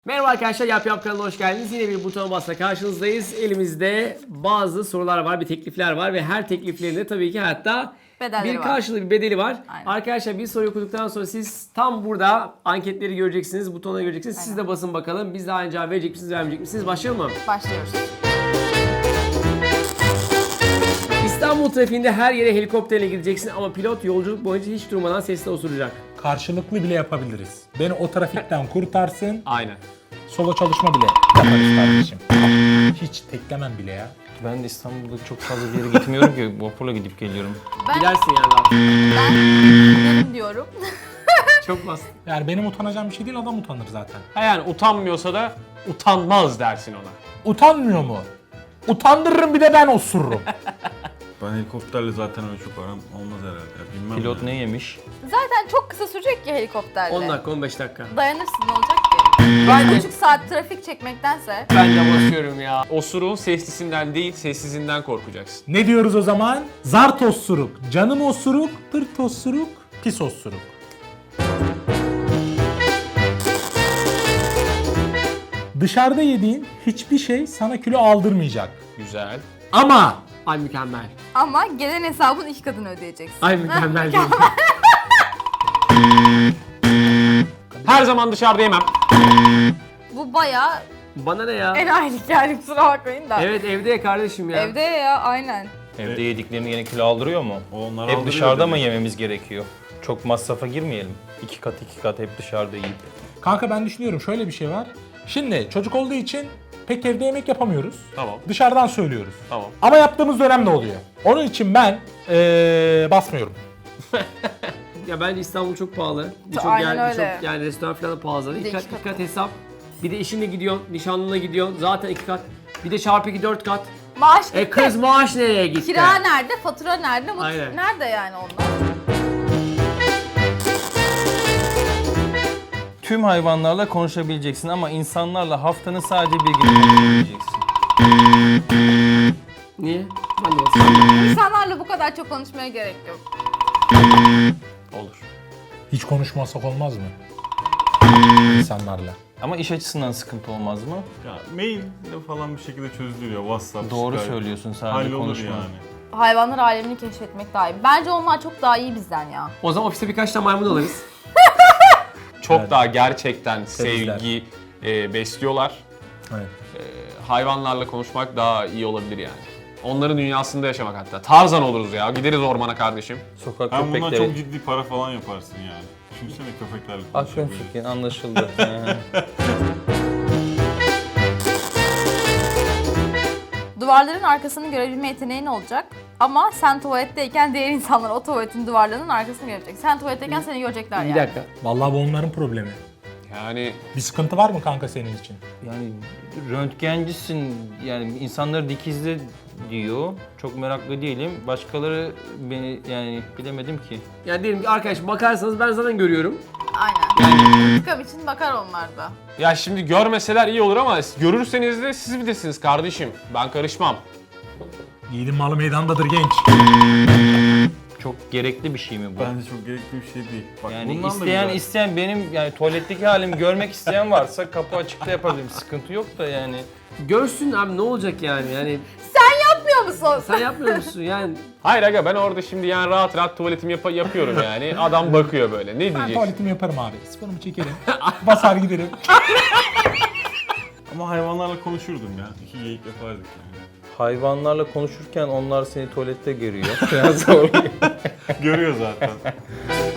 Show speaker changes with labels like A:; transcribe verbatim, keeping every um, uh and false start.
A: Merhaba arkadaşlar, Yap Yap kanalına hoş geldiniz. Yine bir butona basla karşınızdayız. Elimizde bazı sorular var, bir teklifler var ve her tekliflerinde tabii ki hatta
B: Bedelleri
A: bir
B: var.
A: karşılığı, bir bedeli var.
B: Aynen.
A: Arkadaşlar bir soruyu okuduktan sonra siz tam burada anketleri göreceksiniz, butonları göreceksiniz. Siz de basın bakalım. Biz de aynı cevap verecek misiniz, vermeyecek misiniz? Başlayalım mı?
B: Başlıyoruz.
A: İstanbul trafiğinde her yere helikopterle gideceksin ama pilot yolculuk boyunca hiç durmadan sesle osuracak.
C: Karşılıklı bile yapabiliriz. Beni o trafikten kurtarsın,
A: Aynen.
C: solo çalışma bile yaparız kardeşim. Hiç teklemem bile ya.
D: Ben de İstanbul'da çok fazla bir yere gitmiyorum ki. Vapurla gidip geliyorum.
B: Ben,
A: Gidersin yani rahat.
B: ben gidelim diyorum.
A: Çok basit.
C: Yani benim utanacağım bir şey değil, adam utanır zaten.
E: Ha yani utanmıyorsa da utanmaz dersin ona.
C: Utanmıyor mu? Utandırırım bir de ben osururum.
F: Ben helikopterle zaten öyle çok aram olmaz herhalde. Ya, bilmem
D: Pilot
F: yani.
D: ne yemiş?
B: Zaten çok kısa sürecek ki helikopterle.
A: on dakika, on beş dakika.
B: Dayanırsın, ne olacak ki? Bir buçuk saat trafik çekmektense.
A: Ben de basıyorum ya.
E: Osuruğun seslisinden değil, sessizinden korkacaksın.
C: Ne diyoruz o zaman? Zart osuruk, canım osuruk, pırt osuruk, pis osuruk. Dışarıda yediğin hiçbir şey sana kilo aldırmayacak.
E: Güzel.
C: Ama
A: Ay mükemmel.
B: Ama gelen hesabın iki katını ödeyeceksin.
A: Ay mükemmel değil.
E: Her zaman dışarıda yemem.
B: Bu bayağı
A: Bana ne ya?
B: enayilik yani, kusura bakmayın da.
A: Evet evde ya kardeşim ya.
B: Evde ya, aynen.
D: Evde yediklerini yine kilo aldırıyor mu?
F: Onlar
D: Hep
F: aldırıyor
D: dışarıda mı
F: dedi.
D: yememiz gerekiyor? Çok masrafa girmeyelim. İki kat iki kat hep dışarıda yiyip.
C: kanka ben düşünüyorum, şöyle bir şey var. Şimdi çocuk olduğu için pek evde yemek yapamıyoruz.
E: Tamam.
C: Dışarıdan söylüyoruz.
E: Tamam.
C: Ama yaptığımız dönem ne oluyor? Onun için ben ee, basmıyorum.
A: Ya bence İstanbul çok pahalı. Birçok
B: Aynen
A: yer,
B: öyle.
A: birçok yani restoran falan da pahalı.
B: Bir de
A: İki kat,
B: iki
A: iki kat hesap. Bir de eşinle gidiyorsun, nişanlına gidiyorsun. Zaten iki kat. Bir de çarpı iki dört kat.
B: Maaş
A: E
B: gitti.
A: kız maaş nereye gitti?
B: Kira nerede, fatura nerede, mut-
A: Aynen.
B: nerede yani onlar?
D: Tüm hayvanlarla konuşabileceksin ama insanlarla haftanın sadece bir günü konuşabileceksin.
A: Niye? Ben de basıyorum.
B: İnsanlarla bu kadar çok konuşmaya gerek yok.
E: Olur.
C: Hiç konuşmasak olmaz mı? İnsanlarla.
D: Ama iş açısından sıkıntı olmaz mı?
F: Ya maille falan bir şekilde çözülüyor. WhatsApp,
D: Doğru
F: Skype.
D: söylüyorsun, sadece
F: Hallolur
D: konuşma.
F: yani.
B: Hayvanlar alemini keşfetmek daha iyi. Bence onlar çok daha iyi bizden ya.
A: O zaman ofiste birkaç tane maymun alırız.
E: Çok
C: Evet.
E: daha gerçekten
C: Temizler.
E: sevgi e, besliyorlar.
C: Evet.
E: Hayvanlarla konuşmak daha iyi olabilir yani. Onların dünyasında yaşamak hatta. Tarzan oluruz ya. Gideriz ormana kardeşim.
D: Sokak
F: Hem bundan
D: köpekleri.
F: çok ciddi para falan yaparsın yani. Düşünsene köpeklerle
D: Aklın
F: konuşabilir.
D: fikrin anlaşıldı. He.
B: Duvarların arkasını görebilme yeteneğin olacak. Ama sen tuvaletteyken diğer insanlar o tuvaletin duvarlarının arkasını görecek. Sen tuvaletteyken seni görecekler
A: Bir
B: yani.
A: dakika.
C: Vallahi bu onların problemi.
E: Yani
C: Bir sıkıntı var mı kanka senin için?
D: Yani röntgencisin, yani insanları dikizle diyor. Çok meraklı değilim. Başkaları beni yani bilemedim ki.
A: Yani diyelim ki arkadaş bakarsanız ben zaten görüyorum.
B: Aynen. İntikam için bakar onlar da.
E: ya şimdi görmeseler iyi olur ama görürseniz de siz bilirsiniz kardeşim. Ben karışmam.
C: Yiğidin malı meydandadır genç.
D: Çok gerekli bir şey mi bu?
F: Bence çok gerekli bir şey değil. Bak,
D: Yani
F: bundan da
D: isteyen
F: güzel.
D: isteyen benim yani tuvaletteki halimi görmek isteyen varsa kapı açıkta yapabilirim. Sıkıntı yok da yani.
A: Görsün abi, ne olacak yani? Yani
B: Yapmıyor musun?
A: sen yapmıyor musun yani?
E: Hayır aga, ben orada şimdi yani rahat rahat tuvaletimi yap- yapıyorum yani. Adam bakıyor böyle. Ne
C: Ben
E: diyecek?
C: tuvaletimi yaparım abi. Sifonumu çekerim. Basar giderim.
F: Ama hayvanlarla konuşurdum ya. İki geyik yapardık yani.
D: Hayvanlarla konuşurken onlar seni tuvalette görüyor. Biraz zor.
F: Görüyor zaten.